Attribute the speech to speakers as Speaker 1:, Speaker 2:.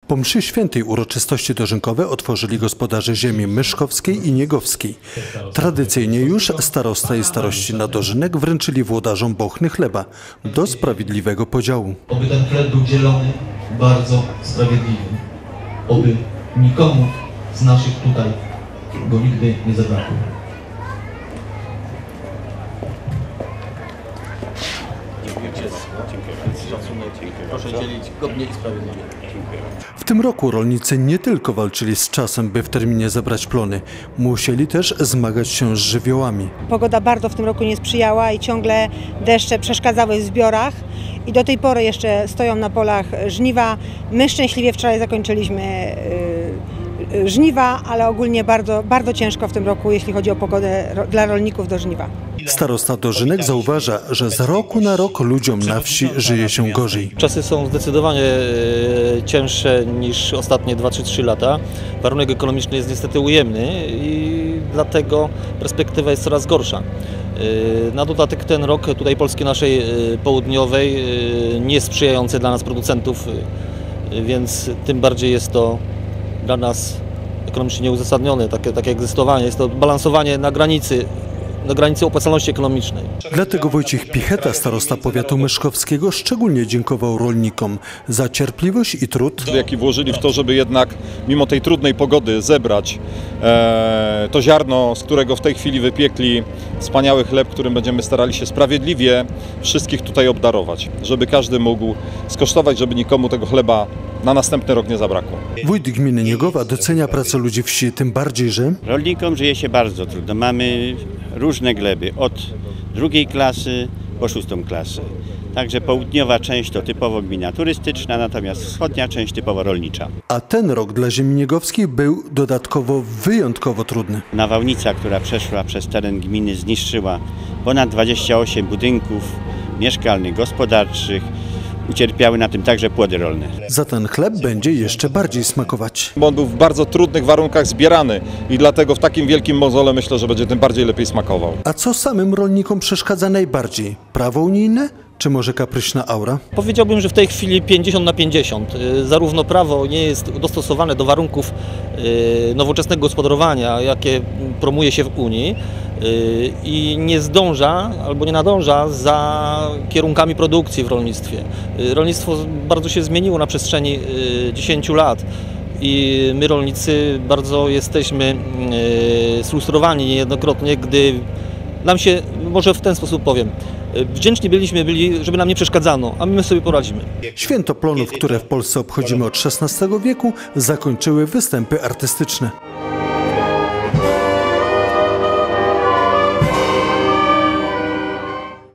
Speaker 1: Po mszy świętej uroczystości dożynkowe otworzyli gospodarze ziemi myszkowskiej i niegowskiej. Tradycyjnie już starosta i starości na dożynek wręczyli włodarzom bochny chleba do sprawiedliwego podziału.
Speaker 2: Oby ten chleb był dzielony bardzo sprawiedliwie. Oby nikomu z naszych tutaj go nigdy nie zabrakło. Proszę dzielić godnie i sprawiedliwie.
Speaker 1: W tym roku rolnicy nie tylko walczyli z czasem, by w terminie zebrać plony, musieli też zmagać się z żywiołami.
Speaker 3: Pogoda bardzo w tym roku nie sprzyjała i ciągle deszcze przeszkadzały w zbiorach i do tej pory jeszcze stoją na polach żniwa. My szczęśliwie wczoraj zakończyliśmy żniwa, ale ogólnie bardzo ciężko w tym roku, jeśli chodzi o pogodę dla rolników do żniwa.
Speaker 1: Starosta Dożynek zauważa, że z roku na rok ludziom na wsi żyje się gorzej.
Speaker 4: Czasy są zdecydowanie cięższe niż ostatnie 2-3 lata. Warunek ekonomiczny jest niestety ujemny i dlatego perspektywa jest coraz gorsza. Na dodatek ten rok tutaj Polski naszej południowej nie sprzyjający dla nas producentów, więc tym bardziej jest to dla nas ekonomicznie nieuzasadnione, takie egzystowanie. Jest to balansowanie na granicy opłacalności ekonomicznej.
Speaker 1: Dlatego Wojciech Picheta, starosta powiatu myszkowskiego, szczególnie dziękował rolnikom za cierpliwość i trud,
Speaker 5: jaki włożyli w to, żeby jednak mimo tej trudnej pogody zebrać to ziarno, z którego w tej chwili wypiekli wspaniały chleb, którym będziemy starali się sprawiedliwie wszystkich tutaj obdarować, żeby każdy mógł skosztować, żeby nikomu tego chleba na następny rok nie zabrakło.
Speaker 1: Wójt gminy Niegowa docenia pracę ludzi wsi, tym bardziej, że
Speaker 6: rolnikom żyje się bardzo trudno. Mamy różne gleby, od 2. klasy po 6. klasę. Także południowa część to typowo gmina turystyczna, natomiast wschodnia część typowo rolnicza.
Speaker 1: A ten rok dla ziemi niegowskiej był dodatkowo wyjątkowo trudny.
Speaker 6: Nawałnica, która przeszła przez teren gminy, zniszczyła ponad 28 budynków mieszkalnych, gospodarczych. Ucierpiały na tym także płody rolne.
Speaker 1: Za ten chleb będzie jeszcze bardziej smakować.
Speaker 5: Bo on był w bardzo trudnych warunkach zbierany i dlatego w takim wielkim mozole myślę, że będzie tym bardziej lepiej smakował.
Speaker 1: A co samym rolnikom przeszkadza najbardziej? Prawo unijne? Czy może kapryśna aura?
Speaker 4: Powiedziałbym, że w tej chwili 50/50. Zarówno prawo nie jest dostosowane do warunków nowoczesnego gospodarowania, jakie promuje się w Unii i nie zdąża albo nie nadąża za kierunkami produkcji w rolnictwie. Rolnictwo bardzo się zmieniło na przestrzeni 10 lat. I my rolnicy bardzo jesteśmy sfrustrowani niejednokrotnie, gdy nam się, może w ten sposób powiem, wdzięczni byli, żeby nam nie przeszkadzano, a my sobie poradzimy.
Speaker 1: Święto plonów, które w Polsce obchodzimy od XVI wieku, zakończyły występy artystyczne.